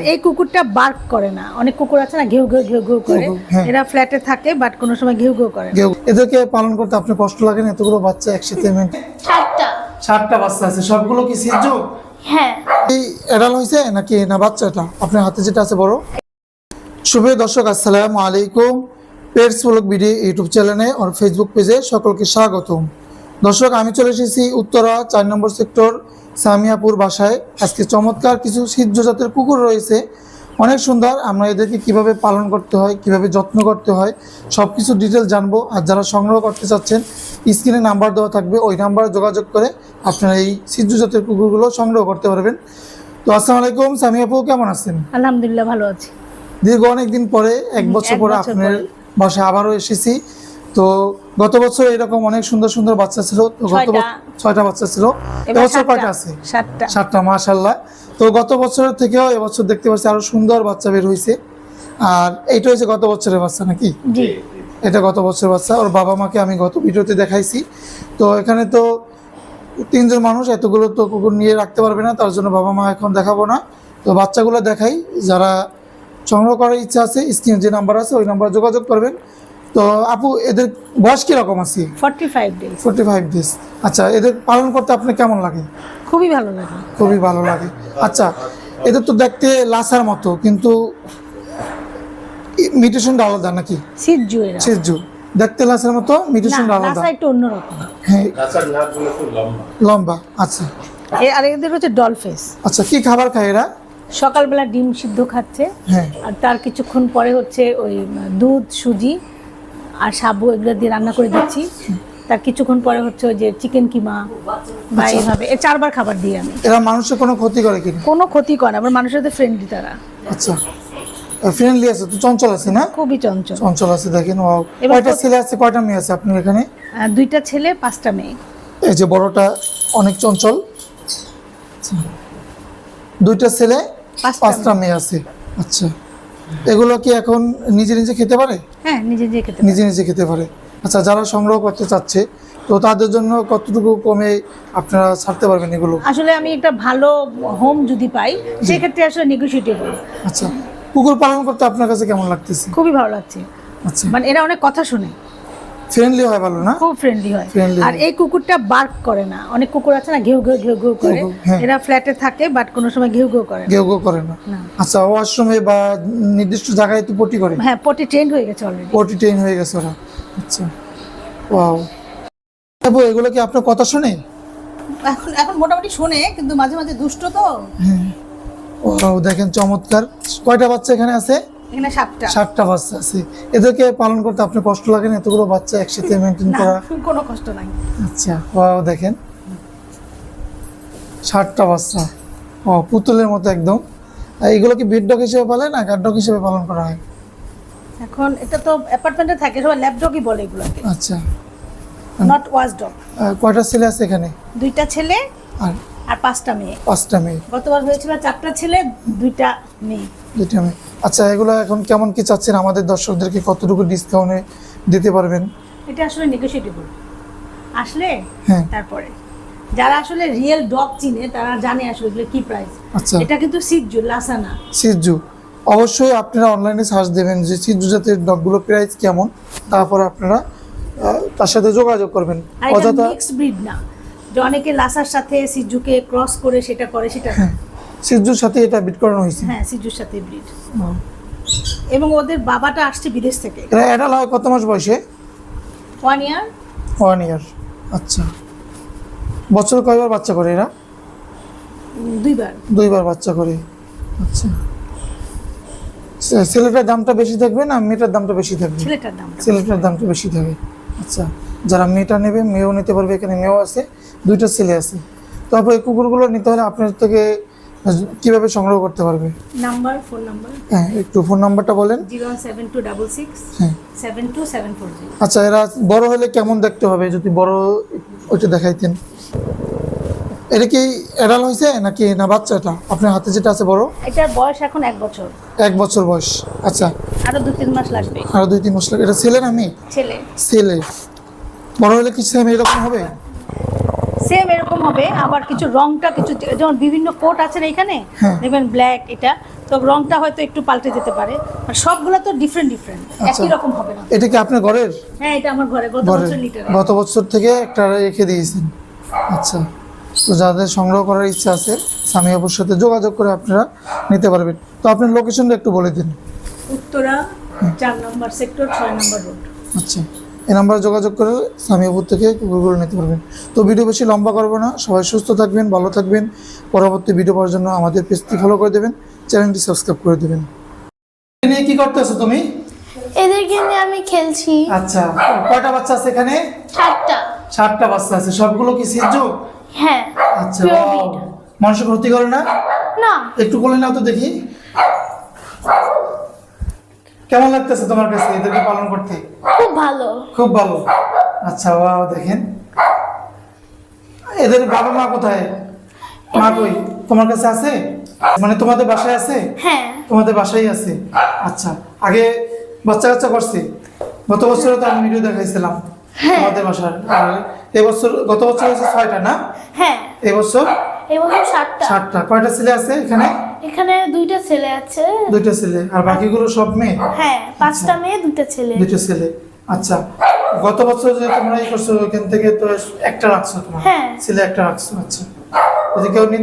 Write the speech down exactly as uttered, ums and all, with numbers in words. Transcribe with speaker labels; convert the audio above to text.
Speaker 1: এই কুকুরটা বার্ক করে না, অনেক কুকুর আছে না ঘেউ ঘেউ ঘেউ ঘেউ করে, এরা ফ্ল্যাটে থাকে বাট কোনো সময় ঘেউ ঘেউ করে।
Speaker 2: এদেরকে পালন করতে আপনার কষ্ট লাগে না? এতগুলো বাচ্চা একসাথে মেনটেন।
Speaker 3: সাতটা
Speaker 2: সাতটা বাচ্চা আছে, সবগুলো কি সিজু?
Speaker 3: হ্যাঁ।
Speaker 2: এই এডাল হইছে নাকি না বাচ্চাটা আপনার হাতে যেটা আছে বড়? শুভ দর্শক, আসসালামু আলাইকুম। পেটস ব্লগ ভিডিও ইউটিউব চ্যানেলে আর ফেসবুক পেজে সকলকে স্বাগতম। দর্শক, আমি চলে এসেছি উত্তরা চার নম্বর সেক্টর সামিয়াপুর বাসায়। আজকে চমৎকার কিছু সিদ্ধ জাতের কুকুর রয়েছে, অনেক সুন্দর। আমরা এদেরকে কিভাবে পালন করতে হয়, কিভাবে যত্ন করতে হয়, সব কিছু ডিটেল জানবো। আর যারা সংগ্রহ করতে চাচ্ছেন, স্ক্রিনে নাম্বার দেওয়া থাকবে, ওই নাম্বারে যোগাযোগ করে আপনারা এই সিদ্ধ জাতের কুকুরগুলো সংগ্রহ করতে পারবেন। তো আসসালামু আলাইকুম সামিয়াপু, কেমন আছেন?
Speaker 1: আলহামদুলিল্লাহ ভালো আছি।
Speaker 2: দীর্ঘ অনেকদিন পরে, এক বছর পরে আপনার বাসায় আবারও এসেছি। তো গত বছর এরকম অনেক সুন্দর সুন্দর বাচ্চা ছিল, তো গত ছয়টা বাচ্চা ছিল। এবছর কয়টা আছে?
Speaker 1: সাতটা।
Speaker 2: সাতটা, মাশাআল্লাহ। তো গত বছরের থেকেও এবছর দেখতে পাচ্ছি আরো সুন্দর বাচ্চা বের হয়েছে। আর এইটা হচ্ছে গত বছরের বাচ্চা নাকি?
Speaker 1: জি,
Speaker 2: এটা গত বছরের বাচ্চা। ওর বাবা মাকে আমি গত ভিডিওতে দেখাইছি। তো এখানে তো তিনজন মানুষ এতগুলো তো কুকুর নিয়ে রাখতে পারবে না, তার জন্য বাবা মা এখন দেখাবো না। তো বাচ্চাগুলো দেখাই, যারা সংগ্রহ করার ইচ্ছা আছে স্ক্রিনে যে নাম্বার আছে ওই নাম্বারে যোগাযোগ করবেন। তো আপু, এদের বয়স কিরকম আছে?
Speaker 1: Forty five days.
Speaker 2: Forty five days. আচ্ছা, এদের পালন করতে আপনার কেমন লাগে?
Speaker 1: খুবই ভালো লাগে।
Speaker 2: খুবই ভালো লাগে। আচ্ছা, এদের তো দেখতে লাসার মতো, কিন্তু মিউটেশনটা আলাদা নাকি?
Speaker 1: সিজু এরা।
Speaker 2: সিজু দেখতে লাসার মতো, মিউটেশনটা আলাদা।
Speaker 1: লাসা একটু অন্যরকম।
Speaker 2: হ্যাঁ, লম্বা। আচ্ছা,
Speaker 1: আর এদের হচ্ছে ডল ফেস।
Speaker 2: আচ্ছা, কি খাবার খায় এরা?
Speaker 1: সকালবেলা ডিম সিদ্ধ খাচ্ছে,
Speaker 2: হ্যাঁ,
Speaker 1: আর তার কিছুক্ষণ পরে হচ্ছে ওই দুধ, সুজি আর সাবু এগুলো দিয়ে রান্না করে দিচ্ছি। তার কিছুক্ষণ পরে হচ্ছে ওই যে চিকেন কিমা বা এইভাবে এ চারবার খাবার দিই আমি।
Speaker 2: এরা মানুষের কোনো ক্ষতি করে কিনা?
Speaker 1: কোনো ক্ষতি করে না, আবার মানুষের সাথে ফ্রেন্ডলি তারা।
Speaker 2: আচ্ছা, ফ্রেন্ডলি আছে তো, চঞ্চল আছে না?
Speaker 1: খুবই চঞ্চল।
Speaker 2: চঞ্চল আছে, দেখেন। ও
Speaker 1: এবার
Speaker 2: কয়টা ছেলে আছে, কয়টা মেয়ে আছে আপনার এখানে?
Speaker 1: আহ, দুইটা ছেলে, পাঁচটা মেয়ে।
Speaker 2: এই যে বড়টা অনেক চঞ্চল। আচ্ছা, দুইটা ছেলে, পাঁচটা মেয়ে আছে। আচ্ছা, এগুলো কি এখন নিজে নিজে খেতে পারে?
Speaker 1: হ্যাঁ, নিজে নিজে খেতে পারে।
Speaker 2: নিজে নিজে খেতে পারে। আচ্ছা, যারা সংগ্রহ করতে চাচ্ছে তো তাদের জন্য কতটুকু কমে আপনারা ছাড়তে পারবেন এগুলো?
Speaker 1: আসলে আমি একটা ভালো হোম যদি পাই সেক্ষেত্রে আসলে নেগোশিয়েটেবল।
Speaker 2: আচ্ছা, কুকুর পালন করতে আপনার কাছে কেমন লাগতেছে?
Speaker 1: খুবই ভালো লাগছে।
Speaker 2: আচ্ছা,
Speaker 1: মানে এরা অনেক কথা শুনে,
Speaker 2: ফ্রেন্ডলি হয়, ভালো না?
Speaker 1: খুব ফ্রেন্ডলি হয়।
Speaker 2: Friendly
Speaker 1: আর এই কুকুরটা বার্ক করে না, অনেক কুকুর আছে না ঘেউ ঘেউ ঘেউ ঘেউ করে,
Speaker 2: ঘেউ ঘেউ, হ্যাঁ।
Speaker 1: এরা ফ্ল্যাটে থাকে বাট কোনো সময় ঘেউ ঘেউ করে না।
Speaker 2: কেউ কেউ করে না।
Speaker 1: না।
Speaker 2: আচ্ছা, ওয়াশরুমে বা নির্দিষ্ট জায়গায় তো পটি করে?
Speaker 1: হ্যাঁ, পটি ট্রেন্ড হয়ে গেছে অলরেডি।
Speaker 2: পটি ট্রেন হয়ে গেছে ওরা। আচ্ছা, ওয়াও। আপু, এগুলো কি আপনার কথা শুনে?
Speaker 1: এখন এখন মোটামুটি শোনে, কিন্তু মাঝে মাঝে দুষ্ট তো।
Speaker 2: হ্যাঁ, ওয়াও, দেখেন চমৎকার। কয়টা বাচ্চা এখানে আছে?
Speaker 1: এখানে সাতটা।
Speaker 2: সাতটা বাচ্চা আছে। এদেরকে পালন করতে আপনার কষ্ট লাগে না? এতগুলো বাচ্চা একসাথে মেনটেন
Speaker 1: না,
Speaker 2: করা?
Speaker 1: কোনো কষ্ট নাই।
Speaker 2: আচ্ছা, ওয়াও, দেখেন সাতটা বাচ্চা। ও, পুতুলের মতো একদম। আর এগুলো কি বিট ডগ হিসেবে পালে না গার্ড ডগ হিসেবে পালন করা হয়?
Speaker 1: এখন এটা তো অ্যাপার্টমেন্টে থাকে, সবাই ল্যাব ডগই বলে এগুলোকে,
Speaker 2: আচ্ছা,
Speaker 1: নট ওয়াচ ডগ।
Speaker 2: আর কয়টা ছেলে আছে এখানে?
Speaker 1: দুইটা ছেলে
Speaker 2: আর
Speaker 1: আর পাঁচটা মেয়ে।
Speaker 2: পাঁচটা মেয়ে।
Speaker 1: গতবার হয়েছিল চারটা ছেলে, দুইটা মেয়ে।
Speaker 2: দুইটা মেয়ে। আচ্ছা, এগুলো এখন কেমন কি চাচ্ছেন? আমাদের দর্শকদেরকে কতটুকু ডিসকাউন্টে দিতে পারবেন?
Speaker 1: এটা আসলে নেগোশিয়েটেবল, আসলে
Speaker 2: হ্যাঁ,
Speaker 1: তারপরে যারা আসলে রিয়েল ডগ চিনে তারা জানে আসলে এগুলো কি প্রাইস।
Speaker 2: আচ্ছা,
Speaker 1: এটা কিন্তু সিজু, লাসা না।
Speaker 2: সিজু। অবশ্যই আপনারা অনলাইনে সার্চ দেবেন যে সিজু জাতের ডগগুলো প্রাইস কেমন, তারপর আপনারা আহ, তার সাথে যোগাযোগ করবেন।
Speaker 1: আর এটা
Speaker 2: অযথা
Speaker 1: মিক্স ব্রিড না যে অনেকে লাসার সাথে সিজুকে ক্রস করে সেটা করে, সেটা না।
Speaker 2: সিজুর সাথে এটা বিট করানো হয়েছে।
Speaker 1: হ্যাঁ, সিজুর সাথে ব্রিড। এবং ওদের বাবাটা আসছে বিদেশ থেকে।
Speaker 2: এরা অ্যাডাল হয় কত মাস বয়সে?
Speaker 1: One year.
Speaker 2: One year. আচ্ছা, বছর কয়বার বাচ্চা করে এরা?
Speaker 1: দুইবার।
Speaker 2: দুইবার বাচ্চা করে। আচ্ছা, ছেলেটার দামটা বেশি থাকবে না মেয়েটার দামটা বেশি থাকবে?
Speaker 1: ছেলেটার দাম।
Speaker 2: ছেলেটার দামটা বেশি থাকবে। আচ্ছা, যারা মেয়েটা নেবে মেয়েও নিতে পারবে, এখানে মেয়েও আছে, দুইটা ছেলে আছে। তারপর এই কুকুরগুলো নিতে হলে আপনার থেকে কিভাবে সংগ্রহ করতে পারবে?
Speaker 1: Number, phone number.
Speaker 2: হ্যাঁ, একটু ফোন নাম্বারটা বলেন।
Speaker 1: Zero seven two double six
Speaker 2: হ্যাঁ,
Speaker 1: seven two seven four zero.
Speaker 2: আচ্ছা, এরা বড় হলে কেমন দেখতে হবে যদি বড় ওইটা দেখাইতেন? এটা কি এডাল হয়েছে নাকি না বাচ্চাটা আপনার হাতে যেটা আছে বড়?
Speaker 1: এটার বয়স এখন এক বছর।
Speaker 2: এক বছর বয়স। আচ্ছা,
Speaker 1: আরো দু তিন মাস লাগবে।
Speaker 2: আরো দুই তিন মাস লাগে। এটা ছেলে না মেয়ে?
Speaker 1: ছেলে।
Speaker 2: ছেলে। বড় হলে কি সেম এরকম হবে?
Speaker 1: সেম এরকম হবে, আবার কিছু রংটা কিছু যেমন বিভিন্ন কোট আছে না এখানে,
Speaker 2: হ্যাঁ।
Speaker 1: দেখবেন ব্ল্যাক, এটা তো রংটা হয়তো একটু পাল্টে যেতে পারে, আর সবগুলো তো ডিফারেন্ট ডিফারেন্ট, একই রকম হবে না।
Speaker 2: এটা কি আপনার ঘরের?
Speaker 1: হ্যাঁ, এটা আমার ঘরে গত
Speaker 2: ঘরের
Speaker 1: বছর লিটার।
Speaker 2: গত বছর থেকে একটা রেখে দিয়েছেন। আচ্ছা, তো যাদের সংগ্রহ করার ইচ্ছা আছে স্বামী আপুর সাথে যোগাযোগ করে আপনারা নিতে পারবেন। তো আপনার লোকেশনটা একটু বলে দিন।
Speaker 1: উত্তরা চার নম্বর সেক্টর, ছয় নম্বর রোড।
Speaker 2: আচ্ছা, এই নাম্বারে যোগাযোগ করে স্বামী আপুর থেকে কুকুরগুলো নিতে পারবেন। তো ভিডিও বেশি লম্বা করবো না, সবাই সুস্থ থাকবেন, ভালো থাকবেন। পরবর্তী ভিডিও পাওয়ার জন্য আমাদের পেজটি ফলো করে দেবেন, চ্যানেলটি সাবস্ক্রাইব করে দেবেন। নিয়ে কি করতেছো তুমি?
Speaker 3: এদেরকে নিয়ে আমি খেলছি।
Speaker 2: আচ্ছা, কয়টা বাচ্চা আছে এখানে?
Speaker 3: সাতটা।
Speaker 2: ষাটটা বাচ্চা আছে, সবগুলো কি সিজু?
Speaker 3: হ্যাঁ।
Speaker 2: আচ্ছা,
Speaker 3: Pure
Speaker 2: wow,
Speaker 3: breed।
Speaker 2: মানুষের ক্ষতি করে না?
Speaker 3: না।
Speaker 2: একটু কোলে নাও তো দেখি। কেমন লাগতেছে তোমার কাছে এদেরকে পালন করতে?
Speaker 3: খুব ভালো।
Speaker 2: খুব ভালো। আচ্ছা, ওয়াও, দেখেন এদের বাবা মা কোথায়? মা কই? তোমার কাছে আছে? মানে তোমাদের বাসায় আছে?
Speaker 3: হ্যাঁ।
Speaker 2: তোমাদের বাসায় আছে। আচ্ছা, আগে বাচ্চা কাচ্চা করছে? গত বছরে তো আমি ভিডিও দেখাইছিলাম তোমাদের বাসার। আর এবছর, গত বছর হচ্ছে ছয়টা না?
Speaker 3: হ্যাঁ।
Speaker 2: এবছর
Speaker 3: এবছর সাতটা।
Speaker 2: ষাটটা। কয়টা ছেলে আছে এখানে?
Speaker 3: এখানে দুইটা ছেলে আছে।
Speaker 2: দুইটা ছেলে। আর বাকিগুলো সব মেয়ে?
Speaker 3: হ্যাঁ, পাঁচটা মেয়ে দুইটা ছেলে।
Speaker 2: দুইটা ছেলে। আচ্ছা, গত বছর যে তোমরা এই করছো ওইখান থেকে তো একটা রাখছো, তোমার
Speaker 3: হ্যাঁ।
Speaker 2: ছেলে একটা রাখছো। আচ্ছা, যদি কেউ নিতে